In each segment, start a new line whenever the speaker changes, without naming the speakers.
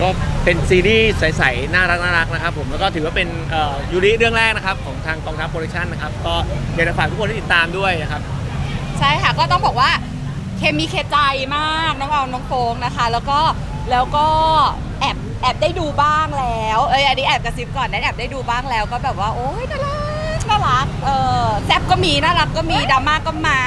ก็เป็นซีรีส์ใสๆน่ารักนะครับผมแล้วก็ถือว่าเป็นยูริเรื่องแรกนะครับของทางกองทัพโปรดักชั่นนะครับก็อยากจะฝากทุกคนที่ติดตามด้วยนะครับ
ใช่ค่ะก็ต้องบอกว่าเคมีเคใจมากน้องเอาน้องโฟงนะคะแล้วก็แอบได้ดูบ้างแล้วอันนี้แอบกระซิบก่อนนะแอบได้ดูบ้างแล้วก็แบบว่าโอ๊ยน่ารักแซ่บก็มีน่ารักก็มีดราม่าก็มา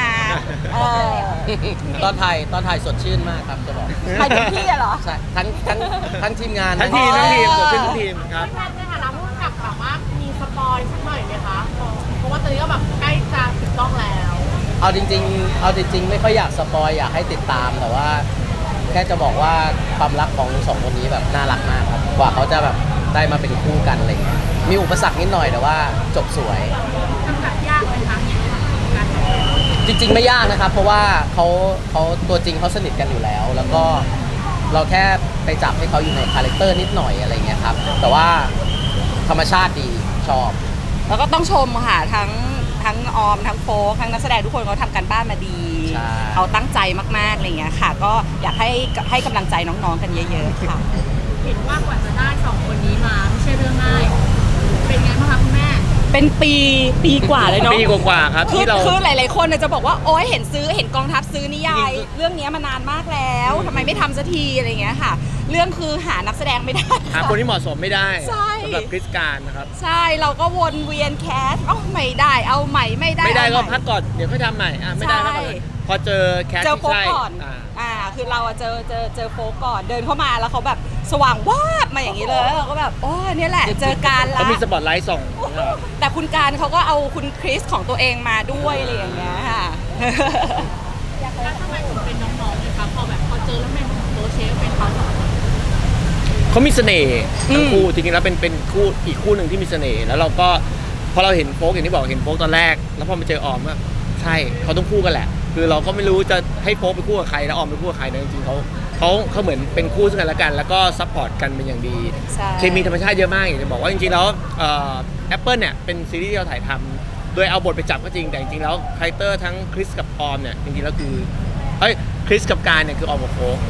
ตอนถ่ายสดชื่นมากครับจะบอก
ใครเป็นพี่อะเหรอ
ใช่ทั้งทีมงาน
ทั้งทีมสดชื่นทั้งทีมครับ
ในฐานะผู้กำกับแบบว่ามีสปอยสักหน่อยไหมคะเพราะว่าตอนนี้ก็แบบใกล้จะถึงต้องแล้ว
เอาจริงไม่ค่อยอยากสปอยอยากให้ติดตามแต่ว่าแค่จะบอกว่าความรักของสองคนนี้แบบน่ารักมากครับกว่าเขาจะแบบได้มาเป็นคู่กันอะไรเงี้ยมีอุปสรรคนิดหน่อยแต่ว่าจบสวย
กำกับยากไหมคะ
จริงๆไม่ยากนะครับเพราะว่าเขาตัวจริงเขาสนิทกันอยู่แล้วแล้วก็เราแค่ไปจับให้เขาอยู่ในคาแรคเตอร์นิดหน่อยอะไรเงี้ยครับแต่ว่าธรรมชาติดีชอบ
แล้วก็ต้องชมค่ะทั้งออมทั้งโฟกทั้งนักแสดงทุกคนเขาทำกันบ้านมาดีเขาตั้งใจมากๆอะไรเงี้ยค่ะก็อยากให้กำลังใจน้องๆกันเยอะๆค่ะ
เห็นว่ากว่าจะได้2คนนี้มาไม่ใช่เรื่องง่ายเป็นไงบ้างคะคุณแม่
เป็นปีกว่าเลยเนาะ
ปีกว่าครับที่เรา
คือหลายๆคนจะบอกว่าโอ๊ยเห็นกองทัพซื้อนิยายเรื่องนี้มานานมากแล้วทำไมไม่ทำสักทีอะไรเงี้ยค่ะเรื่องคือหานักแสดงไม่ได้
หาคนที่เหมาะสมไม่ได้
ส
ำหรับคริสการนะครับ
ใช่เราก็วนเวียนแคสไม่ได้เอาใหม่ไม่ได้
ก็พักก่อนเดี๋ยวค่อยทำใหม่ไม่ได้พักก่อนพอเจอแคส
ที่ใช่คือเราเจอโฟก่อนเดินเข้ามาแล้วเขาแบบสว่างวาบมาอย่างนี้เลยเราก็แบบโอ้เนี่ยแหละเจอการละ
เขามีสปอตไลท์ส่อง
แต่คุณการเขาก็เอาคุณคริสของตัวเองมาด้วยอะไรอย่างเงี้ยค่ะ
แล้วทำไมถึงเป็นน้องๆเลยคะพอเจอแล้วแม่โรเชฟเป็นเขา
เขามีเสน่ห์ทั้งคู่จริงๆแล้วเป็นคู่อีกคู่หนึ่งที่มีเสน่ห์แล้วเราก็พอเราเห็นโฟกอย่างที่บอกเห็นโฟกตอนแรกแล้วพอมาเจอออมก็ใช่เขาต้องคู่กันแหละคือเราก็ไม่รู้จะให้โฟกไปคู่กับใครแล้วออมไปคู่กับใครนะจริงๆเขาเหมือนเป็นคู่ซึ่งกันและกันแล้วก็ซัพพอร์ตกันเป็นอย่างดีเคมีธรรมชาติเยอะมากอยากจะบอกว่าจริงๆแล้วแอปเปิลเนี่ยเป็นซีรีส์ที่เราถ่ายทำโดยเอาบทไปจับก็จริงแต่จริงๆแล้วคาแรคเตอร์ทั้งคริสกับออมเนี่ยจริงๆแล้วคือคริสกับการเนี่ยคือออมกับโฟก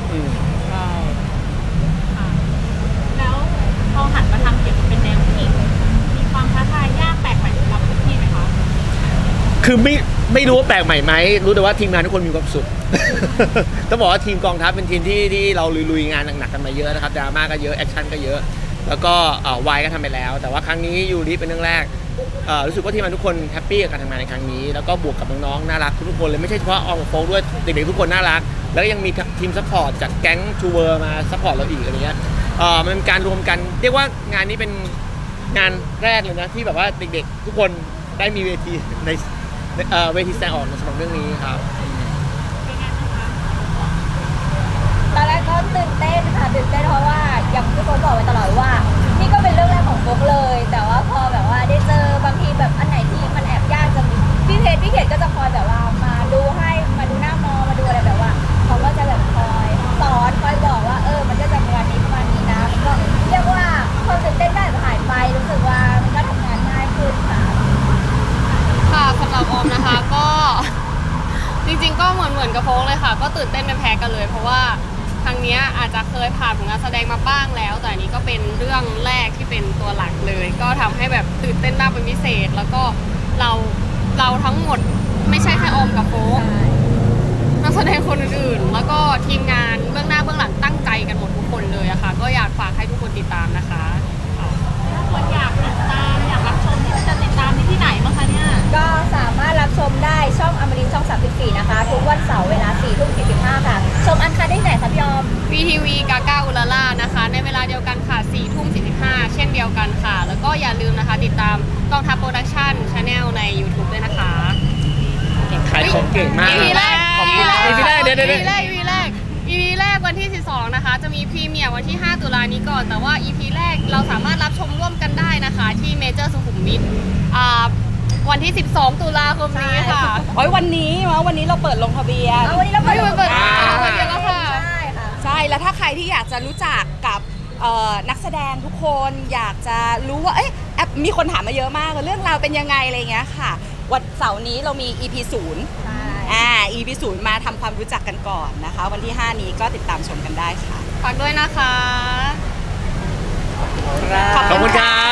แล้วพอหันมาทำเกี่ยวกับเป็นแนวผู้หญิงมีความท้าทายยากแปลกใหม่สำหรับทุกทีไหมคะ
คือไม่รู้ว่าแปลกใหม่ไหมรู้แต่ว่าทีมงานทุกคนมีความสุขต้องบอกว่าทีมกองทัพเป็นทีมที่เราลุยงานหนักๆกันมาเยอะนะครับดราม่าก็เยอะแอคชั่นก็เยอะแล้วก็วายก็ทำไปแล้วแต่ว่าครั้งนี้ยูริเป็นเรื่องแรกรู้สึกว่าทีมงานทุกคนแฮปปี้กับการทำงานในครั้งนี้แล้วก็บวกกับน้องๆน่ารักทุกคนเลยไม่ใช่เฉพาะออมกับโฟกด้วยเด็กๆทุกคนน่ารักแล้วก็ยังมีทีมซัพพอร์ตจากแก๊งทูเวอร์มาซัพพอร์ตเราอีกอะไรเงี้ยมันเป็นการรวมกันเรียกว่างานนี้เป็นงานแรกเลยนะที่แบบว่าเด็กๆทุกคนได้มีเวทีในเวทีแสดงออกในสำหรับเรื่องนี้ครับ
ตอนแรกก็ตื่นเต้นค่ะตื่นเต้นเพราะว่าอย่างที่โฟกบอกไว้ตลอดว่านี่ก็เป็นเรื่องแรกของโฟกเลยแต่ว่าพอแบบว่าได้เจอบางทีแบบอันไหนที่มันแอบยากจะมีพี่เขตก็จะคอยแบบว่ามาดูให้มาดูหน้ามอมาดูอะไรแบบว่าเขาก็จะแบบคอยสอนคอยบอกว่ามันก็จะประมาณนี้นะก็เรียกว่าความตื่นเต้นได้หายไปรู้สึกว่ามันก็ทำงานง่ายขึ้นค่ะ
สำหรับออมนะคะก็จริงๆก็เหมือนกับโฟกเลยค่ะก็ตื่นเต้นไม่แพ้กันเลยเพราะว่าครั้งนี้อาจจะเคยผ่านผลงานแสดงมาบ้างแล้วแต่อันนี้ก็เป็นเรื่องแรกที่เป็นตัวหลักเลยก็ทำให้แบบตื่นเต้นมากเป็นพิเศษแล้วก็เราทั้งหมดไม่ใช่แค่ออมกับโฟกนักแสดงคนอื่นๆแล้วก็ทีมงานเบื้องหน้าเบื้องหลังตั้งใจกันหมดทุกคนเลยอะค่ะก็อยากฝากให้ทุกคนติดตามนะคะ
ถ้าคนอยากติดตามอยากรับชมจะติดตามที่ไหนบ้างคะเนี่ย
ก็สามารถรับชมได้ช่องอมรินทร์ช่อง34นะคะทุกวันเสาร์เวลา 4:45 ค่ะชมอันคัดได้ไหนคะพี่ออม
VTV กาก้าอุลาล่านะคะในเวลาเดียวกันค่ะ 4:45 เช่นเดียวกันค่ะแล้วก็อย่าลืมนะคะติดตามกองทัพโปรดักชั่น Channel ใน YouTube ด้วยนะคะ
ขายของเก่งมาก
EP แรก
EP แรกเดี๋ยว
EP แรกวันที่12นะคะจะมีพรีเมียร์วันที่5ตุลานี้ก่อนแต่ว่า EP แรกเราสามารถรับชมร่วมกันได้นะคะที่เมเจอร์สุขุมวิทวันที่12ตุลาคมนี้ค่ะ
วันนี้เราเปิดลงทะเบียน
วันนี้เราเปิดลงทะเบียน
แล้วค่ะ
ใช่แล้วถ้าใครที่อยากจะรู้จักกับนักแสดงทุกคนอยากจะรู้ว่าแอปมีคนถามมาเยอะมากเรื่องราวเป็นยังไงอะไรเงี้ยค่ะวันเสาร์นี้เรามี EP 0 EP 0มาทำความรู้จักกันก่อนนะคะวันที่5นี้ก็ติดตามชมกันได้ค่ะ
ฝากด้วยนะคะ
ขอบคุณครับ